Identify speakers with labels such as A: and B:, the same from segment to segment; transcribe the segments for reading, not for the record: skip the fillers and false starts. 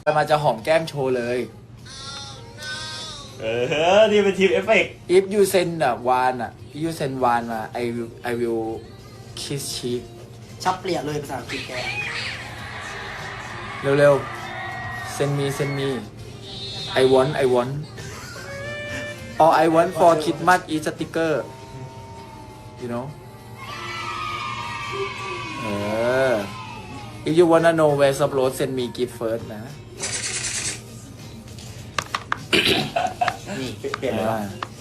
A: มาจะหอมแก้มโชว์เลย
B: นี่เป็นทีมเอฟเฟกต์
A: if you send วานif you send วานมา I will kiss cheek
C: ชับเปลี่ยนเลยภาษาอังกฤษแก
A: เร็วๆ send me I want or I want for Christmas is sticker you know if you wanna know where some road send me gift first นะ
C: นี่
B: เปลี่ยนเลย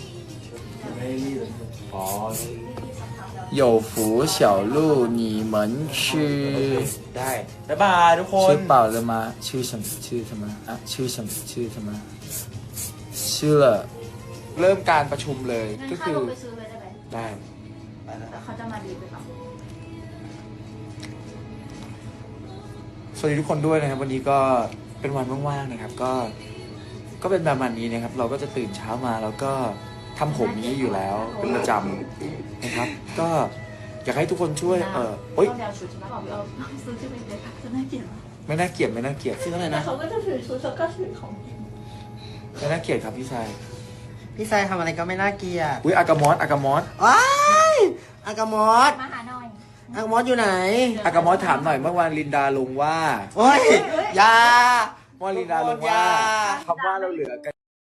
B: อ๋อ
A: 有福小鹿你们吃
B: ได้บ๊ายบายทุกคน
A: 吃饱了吗吃什么啊吃什么吃了เริ่มการประชุมเลยก็คือ
D: ไปซื้อเลยได้ไหม
A: ได้
D: แล้วเขาจะมาดีไปเปล่า
A: สวัสดีทุกคนด้วยนะครับวันนี้ก็เป็นวันว่างๆนะครับก็เป็นประมาณนี้นะครับ เราก็จะตื่นเช้ามาแล้วก็ทำผมนี้อยู่แล้วเป็นประจำนะครับ ก็อยากให้ทุกคนช่วยโอ๊ย
D: ต้องเดาชุดใช่ไหมบอกพี่เอาซื้อที่เป็นเด็กจะน่าเกลียด
A: ไม่น่าเกลียด
C: ซื้ออะไร
D: แต่
C: นะ
D: เขาก็จะถือชุดแล้วก็ถือของ
A: ไม่น่าเกลียดครับพี่ชาย
C: พี่ชายทำอะไรก็ไม่น่าเกลียด
A: อุ้ยอากามอส
C: ว้ายอากามอส
D: มาหาหน่อย
C: อากามอสอยู่ไหน
A: อากามอสถามหน่อยเมื่อวานลินดาลงว่า
C: โอ้ยอยา
A: เมื่อวานลินดาลงว่าคำว่าเราเหลือกัน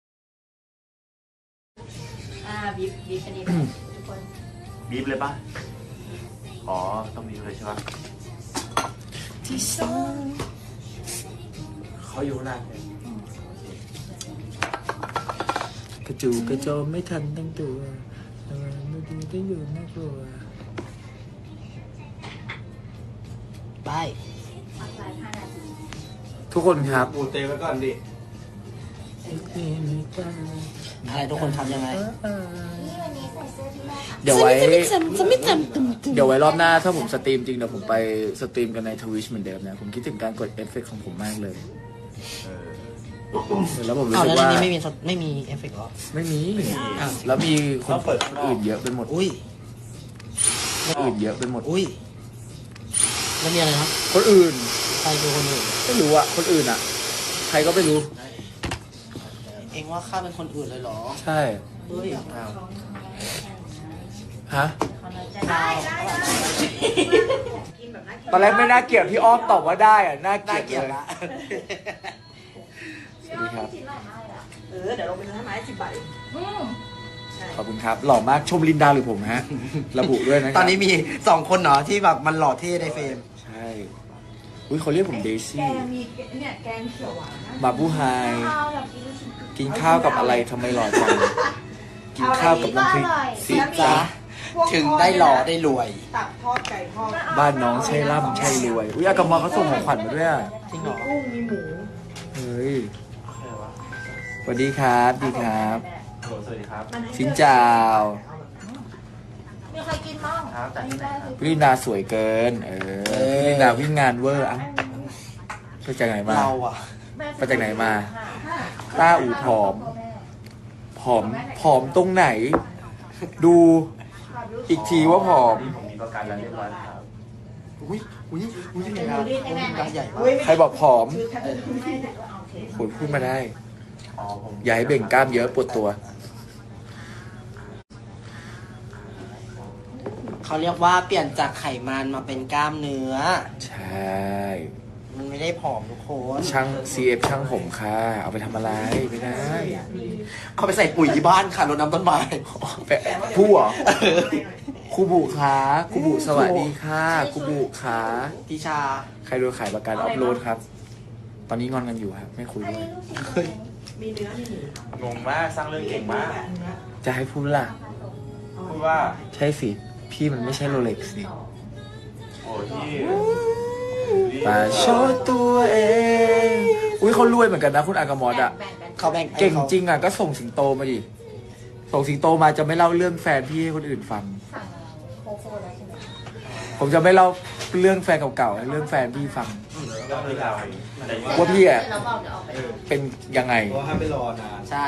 D: บีบอันนี้ทุกคน
B: บีบเลยป่ะอ๋อต้องบีบเลยใช่ป่ะเขาอยู่นานเลย
A: กระจูกระโจมไม่ทันตั้งตัวไม่ดูได้อยู่น่ากลัว
C: ไป
D: พักไลฟ์5 นาที
A: ทุกคนครับ
B: ปูเตะไว้ก่อนดิ
C: อะไรทุกคนทำยังไง
D: นี่วันนี้ใส่เสื้อที่แม่ค่ะ
A: เดี๋ยวไว้รอบหน้าถ้าผมสตรีมจริงเดี๋ยวผมไปสตรีมกันในทวิชเหมือนเดิมนะผมคิดถึงการกดเอฟเฟกต์ของผมมากเลยแล้วผมรู้
C: อ้าว
A: สึก
C: แล้วใน
A: ว่า
C: นี้ไม่มีเอฟเฟกต์หรอ
A: ไม่มี
C: อ้าว
A: แล้วมีคนอื่นเยอะไปหมด
C: อุ้ย
A: อื่นเยอะไปหมด
C: อุ้ยแล้วมีอะไรครับ
A: คนอื่น
C: ใครคือคนอื่น
A: ไม่รู้อะคนอื่นอะใครก็ไม่รู้
C: เองว่าข้าเป็นคนอื่นเลยเหรอ
A: ใช่
C: เฮ้ยอ้าว
A: ฮะ
D: ได้
A: ตอนแรกไม่น่าเกลียดพี่อ้อมตอบว่าได้อะน่าเกลี
C: น่าย
A: ด
C: เกลียด
A: เลย
C: ละ
A: สวัสดีครับ
D: ชิ้นใหม่มากเลยอ่ะ
E: เดี๋ยวลงไปซื้อให้ไม้10 บาท
A: ขอบคุณครับ หล่อมากชมลินดาหรือผมฮะ ระบุด้วยนะครับ
C: ตอนนี้มี2 คนเหรอที่แบบมันหล่อเท่ในเฟรม
A: ใช่ อุ้ยเขาเรียกผมเด
E: แก
A: ซี่
E: มีเนี่ยแกงเขียวหวานนะ
A: มาบูไฮ
D: ข้าวอยากกินลูกชิ้น
A: กินข้าวกับอะไรทำไมหล่อจัง กินข้าวกับน้ำพริกสิ
C: จ้า
A: จ้า
C: ถึงได้หล่อได้รวย
E: ตับทอดไก่ทอด
A: บ้านน้องใช่ร่ำใช่รวย อุ้ยอากามอเขาส่งของขวัญมาด้วยอะ
C: จริงเหรอ
E: กุ้งมีหมู
A: เฮ้ยสวัสดีครับดีครับ
B: สวัสดีครับ
A: สินจ่าว
D: มีใครกินบ้าง
B: ครับแต่
D: ไม่ได้คือ
A: พี่ลินดาสวยเกิน พี่ลินดาวิ่งงานเวอร์อ่ะไปจากไหนมา
C: เราอะ
A: ไปจากไหนมา ต้าอูผอม ผอมตรงไหน ดูอีกทีว่าผอม
B: ผมมีประกันแล้วเรียบร้อยครับ
C: อุ้ยการใหญ่มาก
A: ใครบอกผอม
E: คือแค่
A: โหยพูดมาได้
B: อ๋อผม
A: อย่าให้เบ่งกล้ามเยอะปวดตัว
C: เขาเรียกว่าเปลี่ยนจากไขมันมาเป็นกล้ามเนื้อ
A: ใช่
C: มันไม่ได้ผอมทุกคน
A: ช่าง CF ช่างผมค่ะ เอาไปทำอะไรไม่ได้
C: เขาไปใส่ปุ๋ยที่บ้านค่ะรดน้ำต้นไม้
A: แปะผู้เหรอครูบุขาครูบุสวัสดีค่ะครูบุขา
C: ทิชา
A: ใครโดนขายประกันออฟโรดครับ ตอนนี้งอนกันอยู่ครับ ไม่คุย
D: อัน
A: ด้วย
D: นี้ลูกชิ้น
E: มีเนื้อมีหมู
B: งงมากสร้างเรื่องเก่งมาก
A: จะให้พูดล่ะ
B: พูดว่า
A: ใช่สิ พี่มันไม่ใช่โรเล็กซ์สิ
B: โอ้ที่
A: มาโชว์ตัวเอง อุ้ยเขารวยเหมือนกันนะคุณอากามอดอะ
C: เขาแบ่ง
A: เก่งจริงอะก็ส่งสิงโตมาดิ ส่งสิงโตมาจะไม่เล่าเรื่องแฟนพี่ให้คนอื่นฟัง
D: สั่งโคโค่แล้วใช่ไหม
A: ผมจะไม่เล่าเรื่องแฟนเก่าๆให้เรื่องแฟนพี่ฟัง
B: ก็คือเรา
A: ว่าพี่อะ
D: เราบอกจะออกไป
A: เป็นยังไง
F: เพราะห้ามไปรอนาน
C: ใช่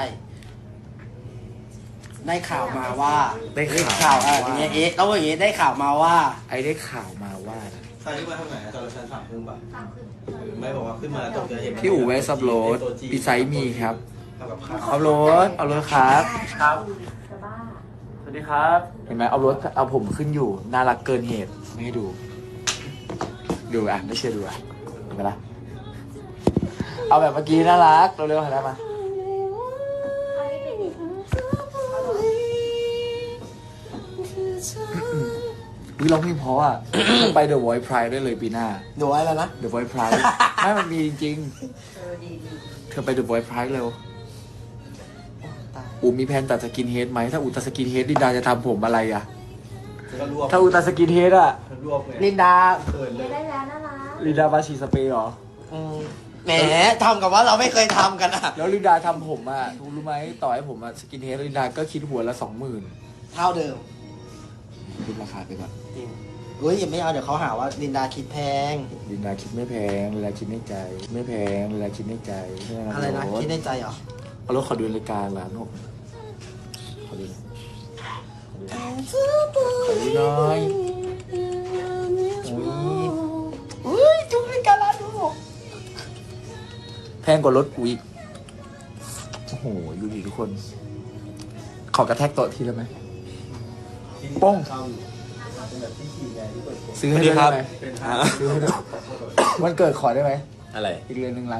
C: ได้ข่าวมาว่า
A: ได้ข่าว
C: ข่าวอย่างเงี้ยแล้วอย่างเงี้ยได้ข่าวมาว่า
A: ไอ้ได้ข่าวมาว่า
F: ใครที่มาทางไหนตอนเราชั้น3 ครึ่งป่ะ
D: สั่งขึ้น
F: ไม่บอกว่าขึ้นมาตกใจเห็น
A: พี่อู๋เวสอัพโหลดปีไซมีครับ
F: ทำกับข้าว
A: อัพโหลดครับ
B: ครับ
D: จะบ้า
B: สวัสดีครับ
A: เห็นไหมเอารถเอาผมขึ้นอยู่น่ารักเกินเหตุไม่ให้ดู ดูอ่ะไม่เชื่อดูอ่ะเห็นไหมล่ะเอาแบบเมื่อกี้น่ารักเร็วๆหันหน้ามาวิร้องเพลงเพราะอ่ะ ต้องไป The Voice Pride ได้เลยปีหน้า
C: ดูไว้แล้วนะ
A: The Voice Pride ไม่มันมีจริงๆเธอไป The Voice Pride เร็ว
C: ตาย
A: อูมีแผนตัดสกินเฮดไหมถ้าอูตัดสกินเฮดลินดาจะทำผมอะไรอ่ะ
F: ก็รวบ
A: ถ้าอูตัดสกินเฮดอ่ะ
F: รวบไง
C: ลินดา
F: เขินเล
D: เรีย
F: ย
D: นได้แล้วน่ารัก
A: ลินดาบาชีสเปรย์เหรอ
C: แหมทำกับว่าเราไม่เคยทำกันอะ
A: แล้วลินดาทำผมอ่ะรู้ไหมต่อให้ผมอ่ะสกินเฮดลินดาก็คิดหัวละ 20,000
C: เท่าเดิม
A: คิดราคาไปก่อน
C: จริงเฮ้ยอย่าไม่เอาเดี๋ยวเขาหาว่าลินดาคิดแพง
A: ลินดาคิดไม่แพงลินดาคิดในใจ ไม่แพงลินดาคิดในใจใช่ไหม
C: อะไรนะ
A: โ
C: คิดในใจเหรอ
A: เอารถขอดูรายการร้านผมขอดูหน่อยขอดูหน่อยอุ้ยจุ๊บรายการร้านดูแพงกว่ารถกูอีกโอ้โหดูดิทุกคน ขอกระแทกโต๊ะทีได้ไหม ป้อง
F: เป็นแบบที่ทีไงที่เปิดตัว
A: ซื้อให้ด้วยได้ไหม
F: เป็น
A: ซื้อให้ด้วยวันเกิดขอได้ไหม
B: อะไร
A: อีกเรือน1,600,000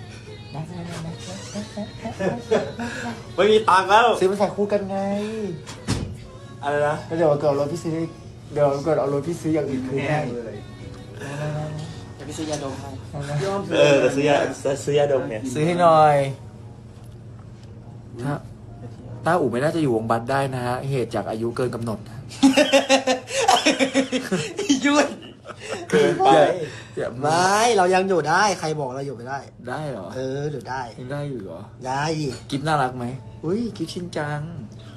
B: ไม่มีตังค์แล้ว
A: ซื้อมาใส่คู่กันไง
B: อะไรนะ
A: แล้วเดี๋ยววันเกิดเอารถพี่ซื้อเดี๋ยววันเกิดเอารถพี่ซื้ออย่างอื่นคืน
F: แห้
A: ให้
F: งเลย
C: เดี๋ยวไปซื้อยาดมให้
B: ซื้อยาดมเนี่ย
A: ซื้อให้หน่อยถ้าต้าอู่ไม่น่าจะอยู่วงบัตได้นะฮะ เหตุจากอายุเกินกำหนด
C: ยุ่น
B: เกินไป
A: อย่า
C: ไม่เรายังอยู่ได้ ใครบอกเราอยู่ไม่ได้
A: ได้เหรอ
C: อยู่ได้
A: ยังได้อยู่เหรอ
C: ได้ดิ
A: กิฟน่ารักไหมอุ้ยกิฟชินจัง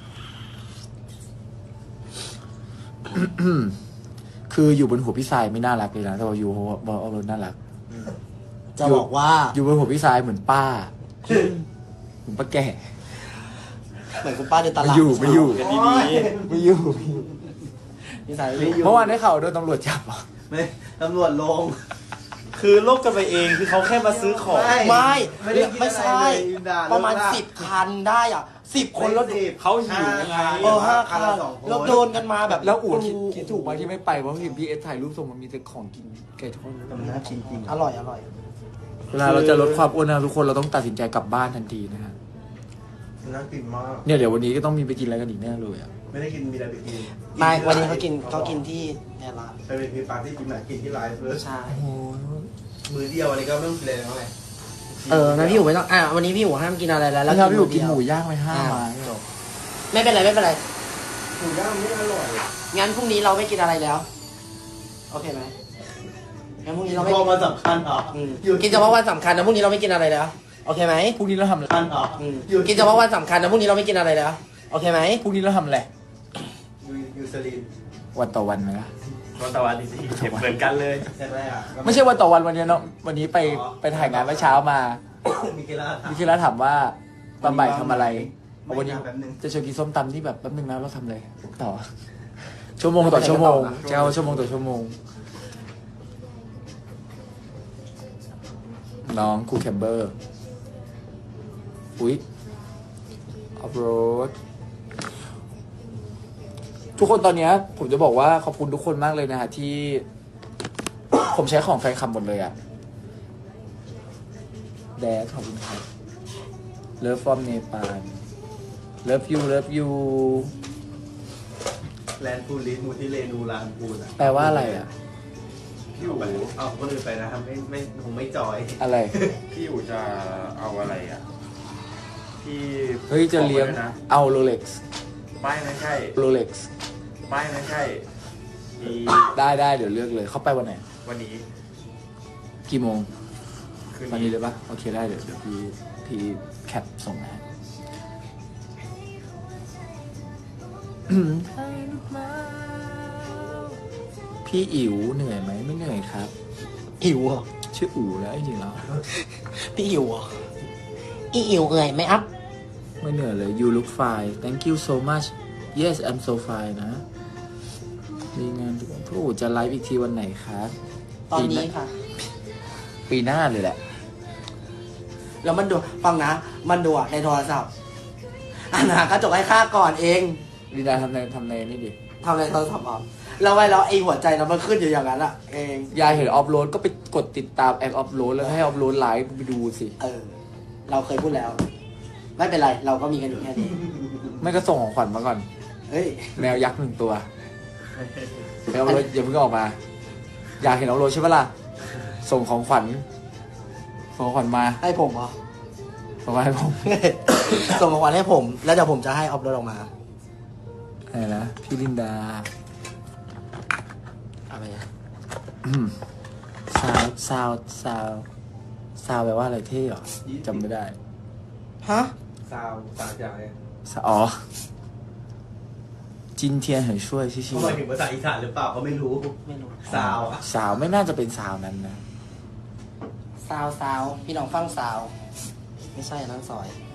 A: คืออยู่บนหัวพี่สายไม่น่ารักเลยนะแต่ว่าอยู่บนเอารถน่ารัก
C: จะบอกว่า
A: อยู่บนหัวพี่สายเหมือนป้าเหมือนป้าแก่
C: เหมือนคุณป้าเดินต
A: ไม่
C: ลาด
A: อยู่ไม่อยู่
B: กันดี
A: ไม่อยู่
C: นิสัยไม่อยู่
A: เมื่อวานได้ข่าวโดนตำรวจจับเหรอ
F: ไม่ตำรวจลง
B: ๆคือโลกกันไปเองคือเขาแค่มาซื้อของ
C: ไม่
F: ไม่ได้คิด
C: ไม่ใช่
F: อะไรเลยอินดา
C: ประมาณ
F: เลิกลาก
C: 10 คันได้อ่ะ 10 คนแล้ว
B: เขาหิวไง
C: 5 คัน
F: ละสองคน
C: แล้วโดนกันมาแบบ
A: แล้วอู๋คิดถูกไหมที่ไม่ไปเพราะเห็นพี่เอสถ่ายรูปส่งมันมีแต่ของกินไก่ทอด
F: แต่มันน่ากินจริง
C: อร่อย
A: เวลาเราจะลดความอ้วนนะทุกคนเราต้องตัดสินใจกลับบ้านทันทีนะฮะ
F: มันน่ากินมาก
A: เนี่ยเดี๋ยววันนี้ก็ต้องมีไปกินอะไรกันอีกแน่เลยอ่ะ
F: ไม่ได้กินมีอะไรไปกิน
C: ไม่วันนี้เขากินที่เนี่ยร้าน
F: ไปเป็นมีปาร์ตี้กินไหนกินที่ไลฟ์เลย
C: ใช่
A: โอ้ย
F: มือเดียวอะไรก็ไม่ต้องกินเลยนะไง
C: นะพี่อู๋ไม่ต้องวันนี้พี่อู๋ห้ามกินอะไรแล้ว
A: แล้วถ้าพี่อยู่กินหมู
C: เดียว
A: ย่างไป5 ไม้หรอ
C: ไม่เป็นไรไม่เป็นไร
F: หมูย่างไม่อร่อย
C: งั้นพรุ่งนี้เราไม่กินอะไรแล้ว โอเคไหมงั้นพรุ่งนี้เราไม่
F: พอมาสำคัญเหรอ
C: กินเฉพาะวันสำคัญนะพรุ่งนี้เราไม่กินอะไรแล้ว โอเคไหม
A: พรุ่งนี้เราทำอะไร
F: คันเหรอ
C: กินเฉพาะวันสำคัญนะพรุ่งนี้เราไม่กินอะไรแล้ว โอเคไหม
A: พรุ่งนี้เราทำอะไร
F: ยูซาลิน
A: วันต่อวันไหมล่ะ
B: วันตะวันจริงๆเห็นเหมือนกันเลย
F: ใช่ไหมอ่ะ
A: ไม่ใช่วันต่อวันวันนี้เนาะวันนี้ไปถ่ายงานเมื่อเช้ามา
F: มีเกล้า
A: พี่คิดแล้วถามว่าตอนบ่ายทำอะไร
F: ไม่
A: วันนี้
F: แป๊บนึง
A: จะชวนกินส้มตำที่แบบแป๊บนึงนะเราทำเลยต่อ ชั่วโมงต่อชั่วโมงจะเอาชั่วโมงต่อชั่วโมง น้องครูแคมเบอร์ อุ๊ยออฟโรด ทุกคนตอนเนี้ยผมจะบอกว่าขอบคุณทุกคนมากเลยนะฮะที่ ผมใช้ของแฟนคลับหมดเลยอะแดดขอบคุณครับ Love from Nepal Love you Love you
F: แลนด์ฟูลิสมูทิเลนูลานปูนอ่ะ
A: แปลว่าอะไรอะ
F: พี่อู๋เอาคนอื่นไปนะครับไม่ผมไม่จอย
A: อะไร
B: พี่อู๋จะเอาอะไรอ่ะ พี่
A: เฮ้ยจะเลี้ยง
B: บอกไว้ด้วยนะ
A: เอาโรเล็กซ์
B: ไม่ใช่
A: โรเล็กซ์
B: ไม่ใช่มี
A: ได้เดี๋ยวเลือกเลย เข้าไปวันไหน
B: วันนี้
A: กี่โมง
B: คืน
A: วันนี้
B: นี้
A: เลยปะโอเคได้เดี๋ยวพี่แคปส่งนะฮะ พี่อิ๋วเหนื่อยไหมไม่เหนื่อยครับ
C: หิวเหรอ
A: ชื่ออู๋แล้วจริงๆแล้ว
C: พี่หิวเหรออีหิวเอ่ยไหมอัพ
A: ไม่เหนื่อยเลย you look fine thank you so much yes I'm so fine นะ มีงานทุกวันพี่อู๋จะไลฟ์อีกทีวันไหนครับ
C: ตอนนี้ค่ะ
A: ปีหน้าเลยแหละ
C: แล้วมันดูฟังนะ มันดูในโทรศัพท์อ่านหากระจกให้ข้าก่อนเอง
A: ลีดาทำในนี่ดิ
C: ทำในโทรศัพท์อ่ะแล้วไว้แล้วไอ้หัวใจเรามันขึ้นอยู่อย่างนั้นอ่ะเอง
A: ยายเห็นออฟโหลดก็ไปกดติดตามแอคออฟโหลดแล้วให้ออฟโหลดไลฟ์ไปดูสิ
C: เราเคยพูดแล้ว ไม่เป็นไรเราก็มีกันอยู่แค่นี้
A: ไม่ก็ส่งของขวัญมาก่อน
C: เฮ้ย
A: แมวยักษ์1 ตัวแมวออฟโหลดอย่าเพิ่งออกมา อยากเห็นออฟโหลดใช่ปะล่ะส่งของขวัญมา
C: ให้ผมเหรอ
A: ส่งมาให้ผม
C: ส่งของขวัญให้ผม แล้วเดี๋ยวผมจะให้ออฟโหลดออกมา
A: อะไรนะพี่ลินดา
C: อะไรอ่ะ
A: ซาวแปลว่าอะไรเท่เหรอจำไม่ได้
C: ฮะ
F: ซาวสามอย่างเนี่ย
A: อ๋อ今天很帅谢谢
F: เขาหมายถึงภาษาอีสานหรือเปล่าก็ไม่รู้
C: ไม่รู้
F: ซาวอะ
A: สาวไม่น่าจะเป็นสาวนั้นนะ
C: ซาวพี่น้องฟังซาว ไม่ใช่อันนั้นซอย